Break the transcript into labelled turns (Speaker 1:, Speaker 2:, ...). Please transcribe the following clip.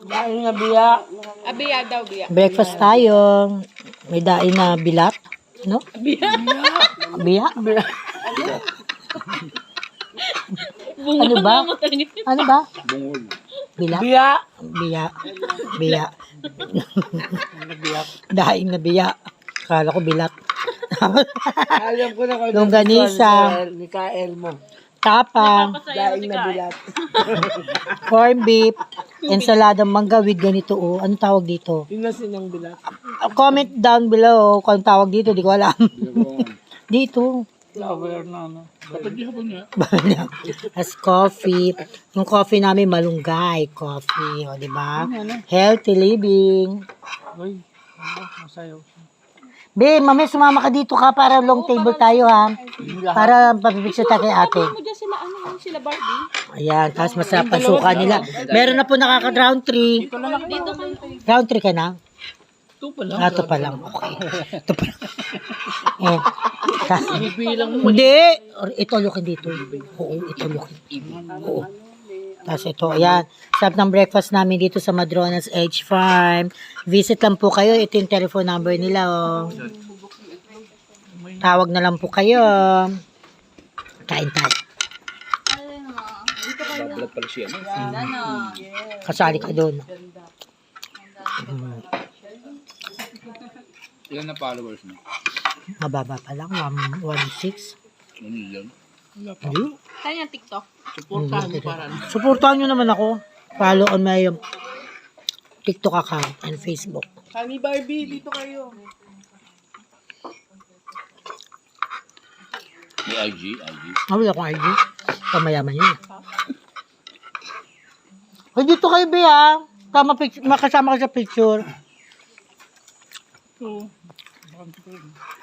Speaker 1: Daing na biya.
Speaker 2: Abiya daw, biya.
Speaker 3: Breakfast tayo. May daing na bilat. No?
Speaker 2: Biya.
Speaker 3: Biya? Ano ba? Ano ba?
Speaker 4: Bungol.
Speaker 3: Bilat?
Speaker 1: Biya.
Speaker 3: Biya. Biya. Daing na biya. Akala ko bilat.
Speaker 1: Alam ko na kung
Speaker 3: Longganisa.
Speaker 1: ni Kael mo.
Speaker 3: Tapang.
Speaker 1: Daing na bilat.
Speaker 3: Corn beef. Ensaladang mangga with ganito. Oh. Ano tawag dito?
Speaker 1: Yun na sinang bilat.
Speaker 3: Comment down below kung tawag dito. Di ko alam. Dito.
Speaker 1: Flower na, no?
Speaker 4: Kapag di hapon niya.
Speaker 3: As coffee. Yung coffee namin malunggay coffee. O, di ba? Healthy living.
Speaker 1: Uy, masayaw.
Speaker 3: Be, mamaya sumama ka dito ka para long table tayo ha. Para papipicture tayo kay ate.
Speaker 2: Mo dyan sila, sila Barbie.
Speaker 3: Ayan, tapos masarap ang suka nila. Meron na po nakaka-round 3.
Speaker 2: Dito kayo.
Speaker 3: Round 3 ka na?
Speaker 1: Ito pala.
Speaker 3: Ito pa lang. Okay. Ito pa lang. Eh.
Speaker 1: Bibilang mo.
Speaker 3: Hindi. Ito lukin dito. Oo, ito lukin. Oo. Tapos ito, ayan. Sarap ng breakfast namin dito sa Madronas Edge Farm. Visit lang po kayo. Ito yung telephone number nila. Oh. Tawag na lang po kayo. Kain tayo.
Speaker 4: Babalat pala siya.
Speaker 3: Kasali ka doon.
Speaker 4: Ilan na followers mo?
Speaker 3: Mababa pa lang. 1.6.
Speaker 4: 1 million.
Speaker 3: Hindi.
Speaker 2: Saan yung TikTok?
Speaker 1: Suportahan mo para.
Speaker 3: Supportahan nyo naman ako. Follow on my TikTok account and Facebook.
Speaker 1: Honey Barbie, dito kayo.
Speaker 4: May IG.
Speaker 3: Wala akong ID. Pamayaman yun. Ay, dito kayo, Be, ha? Makasama ka sa picture.
Speaker 1: So, bakit ko